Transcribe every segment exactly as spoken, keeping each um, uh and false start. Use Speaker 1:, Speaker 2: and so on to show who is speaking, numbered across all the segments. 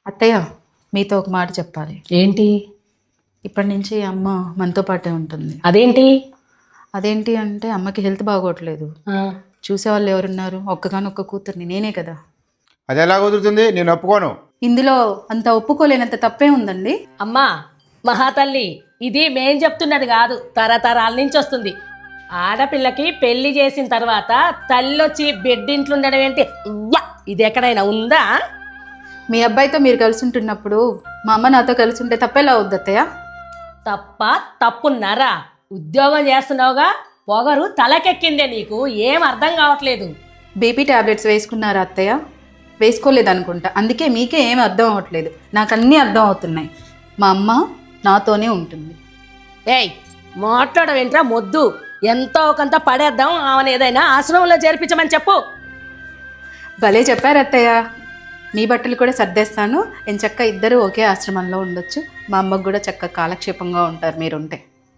Speaker 1: అత్తయ్య, మీతో ఒక మాట చెప్పాలి.
Speaker 2: ఏంటి?
Speaker 1: ఇప్పటి నుంచి అమ్మ మనతో పాటే ఉంటుంది.
Speaker 2: అదేంటి?
Speaker 1: అదేంటి అంటే అమ్మకి హెల్త్ బాగోట్లేదు. చూసేవాళ్ళు ఎవరున్నారు? ఒక్కగానొక్క కూతుర్ని నేనే కదా.
Speaker 3: అది ఎలా కుదురుతుంది? నేను ఒప్పుకోను.
Speaker 1: ఇందులో అంత ఒప్పుకోలేనంత తప్పే ఉందండి.
Speaker 2: అమ్మా మహాతల్లి, ఇది మేం చెప్తున్నది కాదు, తరతరాల నుంచి వస్తుంది. ఆడపిల్లకి పెళ్లి చేసిన తర్వాత తల్లొచ్చి బెడ్డింట్లో ఉండడం ఏంటి? ఇది ఎక్కడైనా ఉందా?
Speaker 1: మీ అబ్బాయితో మీరు కలిసి ఉంటున్నప్పుడు మా అమ్మ నాతో కలిసి ఉంటే తప్పేలా అవుద్ది అత్తయ్య?
Speaker 2: తప్ప తప్పున్నారా? ఉద్యోగం చేస్తున్నావుగా, పొగరు తలకెక్కిందే నీకు, ఏం అర్థం కావట్లేదు.
Speaker 1: బీపీ టాబ్లెట్స్ వేసుకున్నారా అత్తయ్య? వేసుకోలేదు అనుకుంటా, అందుకే మీకే ఏం అర్థం అవ్వట్లేదు. నాకు అన్నీ అర్థం అవుతున్నాయి. మా అమ్మ నాతోనే ఉంటుంది.
Speaker 2: ఏయ్ మాట్లాడడం ఏంట్రా మొద్దు? ఎంతో కొంత పడేద్దాం, ఆమెను ఏదైనా ఆశ్రమంలో చేర్పించమని చెప్పు.
Speaker 1: భలే చెప్పారు అత్తయ్య. మీ బట్టలు కూడా సర్దేస్తాను. నేను చక్క ఇద్దరు ఒకే ఆశ్రమంలో ఉండొచ్చు. మా అమ్మకు కూడా చక్క కాలక్షేపంగా ఉంటారు మీరుంటే.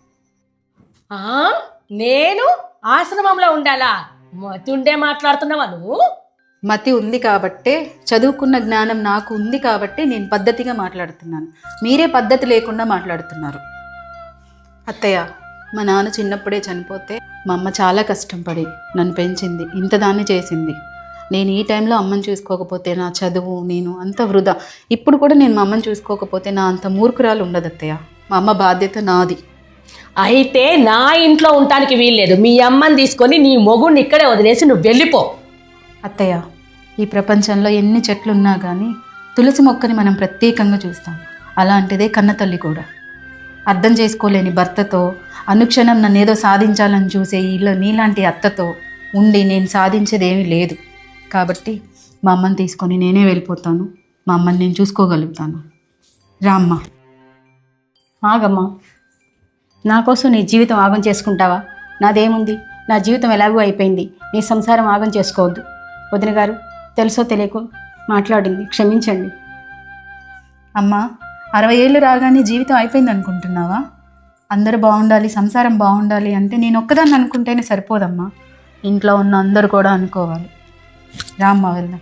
Speaker 2: నేను ఆశ్రమంలో ఉండాలా? మతుండే మాట్లాడుతున్నావా నువ్వు?
Speaker 1: మతి ఉంది కాబట్టే, చదువుకున్న జ్ఞానం నాకు ఉంది కాబట్టి నేను పద్ధతిగా మాట్లాడుతున్నాను. మీరే పద్ధతి లేకుండా మాట్లాడుతున్నారు. అత్తయ్య, మా నాన్న చిన్నప్పుడే చనిపోతే మా అమ్మ చాలా కష్టపడి నన్ను పెంచింది, ఇంత దాన్ని చేసింది. నేను ఈ టైంలో అమ్మని చూసుకోకపోతే నా చదువు నేను అంత వృధా. ఇప్పుడు కూడా నేను మా అమ్మని చూసుకోకపోతే నా అంత మూర్ఖురాలు ఉండదు అత్తయ్య. మా అమ్మ బాధ్యత నాది.
Speaker 2: అయితే నా ఇంట్లో ఉండటానికి వీల్లేదు. మీ అమ్మని తీసుకొని నీ మొగుడిని ఇక్కడే వదిలేసి నువ్వు వెళ్ళిపో.
Speaker 1: అత్తయ్య, ఈ ప్రపంచంలో ఎన్ని చెట్లు ఉన్నా కానీ తులసి మొక్కని మనం ప్రత్యేకంగా చూస్తాం. అలాంటిదే కన్నతల్లి కూడా. అర్థం చేసుకోలేని భర్తతో అనుక్షణం నన్ను ఏదో సాధించాలని చూసే ఇల్లు నీలాంటి అత్తతో ఉండి నేను సాధించేది ఏమీ లేదు. కాబట్టి మా అమ్మని తీసుకొని నేనే వెళ్ళిపోతాను. మా అమ్మని నేను చూసుకోగలుగుతాను. రామ్మ.
Speaker 4: ఆగమ్మా, నా కోసం నీ జీవితం ఆగం చేసుకుంటావా? నాదేముంది, నా జీవితం ఎలాగూ అయిపోయింది. నీ సంసారం ఆగం చేసుకోవద్దు. వదిన గారు తెలుసో తెలియకో మాట్లాడింది, క్షమించండి.
Speaker 1: అమ్మ, అరవై ఏళ్ళు రాగానే జీవితం అయిపోయింది అనుకుంటున్నావా? అందరూ బాగుండాలి, సంసారం బాగుండాలి అంటే నేను ఒక్కదాన్ని అనుకుంటేనే సరిపోదమ్మా. ఇంట్లో ఉన్న అందరూ కూడా అనుకోవాలి. రామ్మ, వెళ్దాం.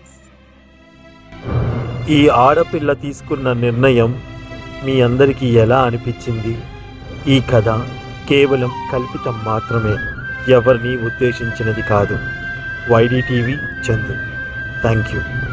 Speaker 5: ఈ ఆడపిల్ల తీసుకున్న నిర్ణయం మీ అందరికీ ఎలా అనిపించింది? ఈ కథ కేవలం కల్పితం మాత్రమే, ఎవరిని ఉద్దేశించినది కాదు. YD TV Chandu. Thank you.